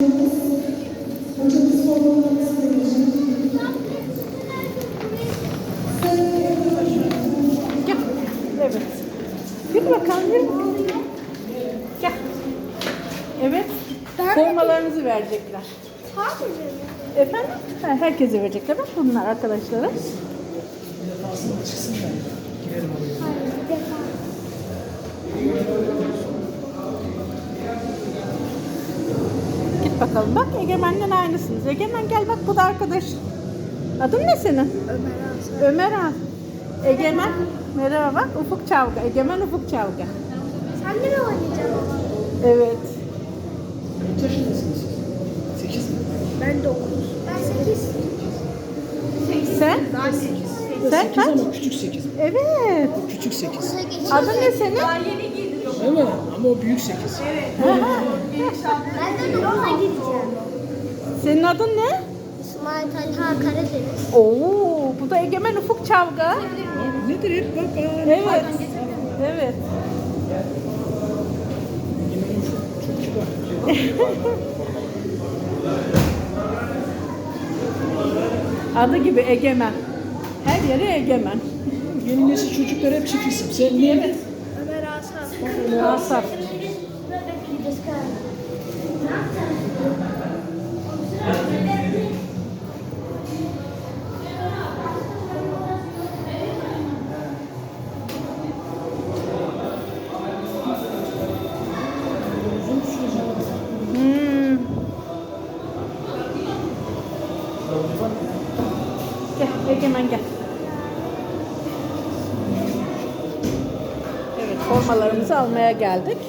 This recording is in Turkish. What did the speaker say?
Gel. Evet. Yürü bakalım, yürü bakalım. Gel. Evet. Formalarınızı verecekler. Efendim? Ha, herkese verecekler. Bak bunlar arkadaşlara. Git bakalım. Bak Egemen'le aynısınız. Egemen gel bak, bu da arkadaş. Adın ne senin? Ömer Han. Egemen. Merhaba bak. Ufuk Çavga. Egemen Ufuk Çavga. Sen de mi oynayacaksın? Evet. Kaç yaşındasınız siz? 8 mi? Ben 9. Ben 8. Sen? Ben 8. Sen 8 kaç? ama küçük 8. Evet. Küçük 8. Adın ne senin? Değil mi? Ama o büyük 8. Ben de 9'a gideceğim. Senin adın ne? İsmail Talha Karadeniz. Oo, bu da Egemen Ufuk Çavga. Nedir hep bak. Evet. Evet. Yine çok kibar. Adı gibi Egemen. Her yere Egemen. Yeni nesil çocuklar hep çift isim. Sen niye? Evet. Ömer Asaf. Asaf. Gel Egemen gel. Evet, formalarımızı almaya geldik.